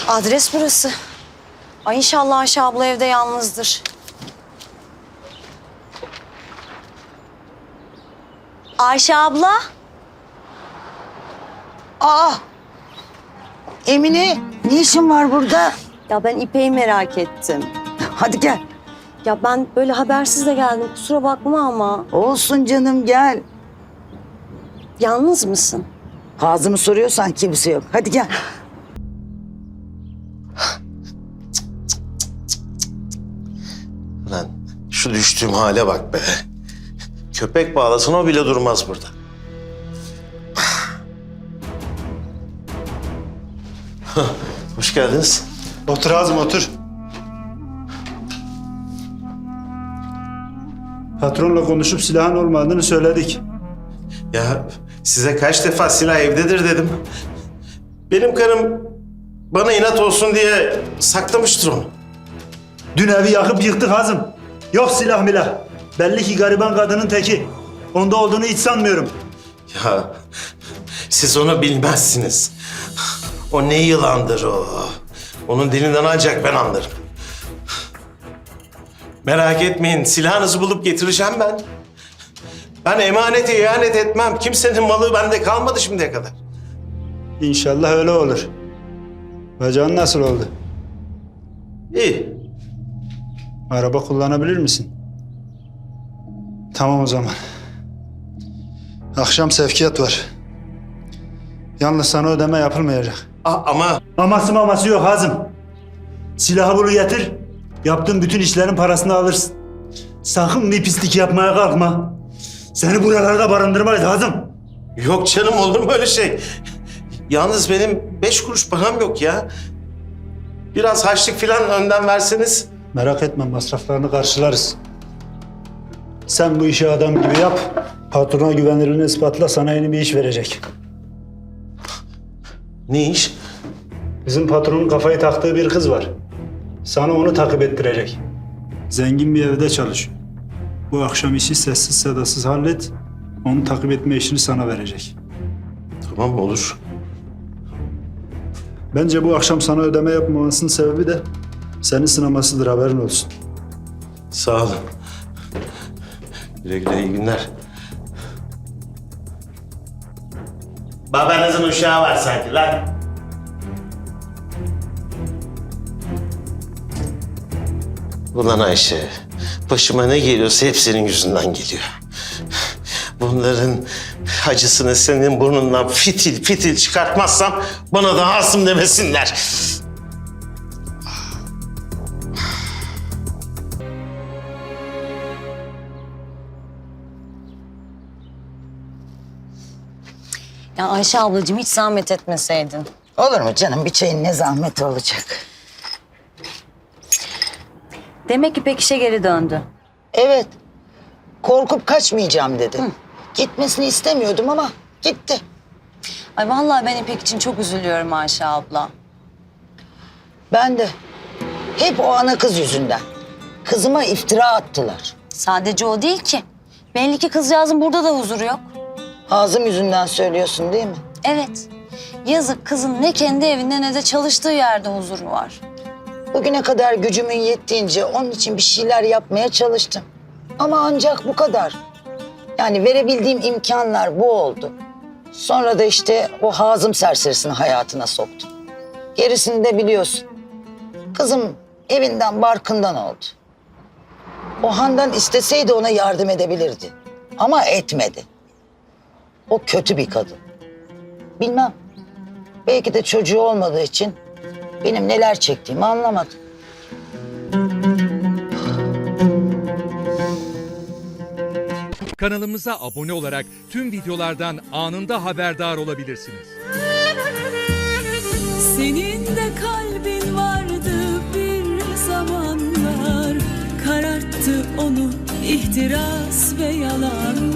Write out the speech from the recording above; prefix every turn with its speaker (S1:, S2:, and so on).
S1: Adres burası. Ay inşallah Ayşe abla evde yalnızdır. Ayşe abla.
S2: Aa! Emine, ne işin var burada?
S1: Ya ben İpek'i merak ettim.
S2: Hadi gel.
S1: Ya ben böyle habersiz de geldim. Kusura bakma ama.
S2: Olsun canım, gel.
S1: Yalnız mısın?
S2: Ağzımı soruyorsan kimse yok. Hadi gel.
S3: Lan şu düştüğüm hale bak be. Köpek bağlasın o bile durmaz burada. Hoş geldiniz.
S4: Otur Azim, otur. Patronla konuşup silahın olmadığını söyledik.
S3: Ya size kaç defa silah evdedir dedim. Benim karım bana inat olsun diye saklamıştır onu.
S4: Dün evi yakıp yıktık Azim. Yok silah milah. Belli ki gariban kadının teki. Onda olduğunu hiç sanmıyorum.
S3: Ya siz onu bilmezsiniz. O ne yılandır o. Onun dilinden ancak ben anlarım. Merak etmeyin, silahınızı bulup getireceğim ben. Ben emanete ihanet etmem. Kimsenin malı bende kalmadı şimdiye kadar.
S4: İnşallah öyle olur. Bacağın nasıl oldu?
S3: İyi.
S4: Araba kullanabilir misin? Tamam o zaman. Akşam sevkiyat var. Yalnız sana ödeme yapılmayacak.
S3: Ama
S4: Aması yok Hazım. Silahı bulu getir. Yaptığın bütün işlerin parasını alırsın. Sakın bir pislik yapmaya kalkma. Seni buralarda barındırmayız Hazım.
S3: yok canım, olur mu öyle şey? Yalnız benim 5 kuruş param yok ya. Biraz harçlık falan önden verseniz.
S4: Merak etme, masraflarını karşılarız. Sen bu işi adam gibi yap. Patrona güvenilirliğini ispatla, sana yeni bir iş verecek.
S3: Ne iş?
S4: Bizim patronun kafayı taktığı bir kız var. Sana onu takip ettirecek. Zengin bir evde çalışıyor. Bu akşam işi sessiz sedasız hallet. Onu takip etme işini sana verecek.
S3: Tamam, olur.
S4: Bence bu akşam sana ödeme yapmamasının sebebi de seni sınamasıdır, haberin olsun.
S3: Sağ olun. Güle güle, iyi günler. Babanızın uşağı var sanki lan. Ulan Ayşe, başıma ne geliyorsa hep senin yüzünden geliyor. Bunların acısını senin burnundan fitil fitil çıkartmazsam bana da Asım demesinler.
S1: Ya Ayşe ablacığım hiç zahmet etmeseydin.
S2: Olur mu canım? Bir çayın ne zahmeti olacak?
S1: Demek İpek işe geri döndü.
S2: Evet. Korkup kaçmayacağım dedi. Gitmesini istemiyordum ama gitti.
S1: Ay vallahi ben İpek için çok üzülüyorum Ayşe abla.
S2: Ben de. Hep o ana kız yüzünden. Kızıma iftira attılar.
S1: Sadece o değil ki. Belli ki kızcağızın burada da huzuru yok.
S2: Ağzım yüzünden söylüyorsun değil mi?
S1: Evet. Yazık kızın ne kendi evinde ne de çalıştığı yerde huzuru var.
S2: Bugüne kadar gücümün yettiğince onun için bir şeyler yapmaya çalıştım. Ama ancak bu kadar. Yani verebildiğim imkanlar bu oldu. Sonra da işte o Hazım serserisini hayatına soktum. Gerisini de biliyorsun. Kızım evinden barkından oldu. O Handan isteseydi ona yardım edebilirdi. Ama etmedi. O kötü bir kadın. Bilmem. Belki de çocuğu olmadığı için benim neler çektiğimi anlamadı.
S5: Kanalımıza abone olarak tüm videolardan anında haberdar olabilirsiniz.
S6: Senin de kalbin vardı bir zamanlar, kararttı onu ihtiras ve yalan.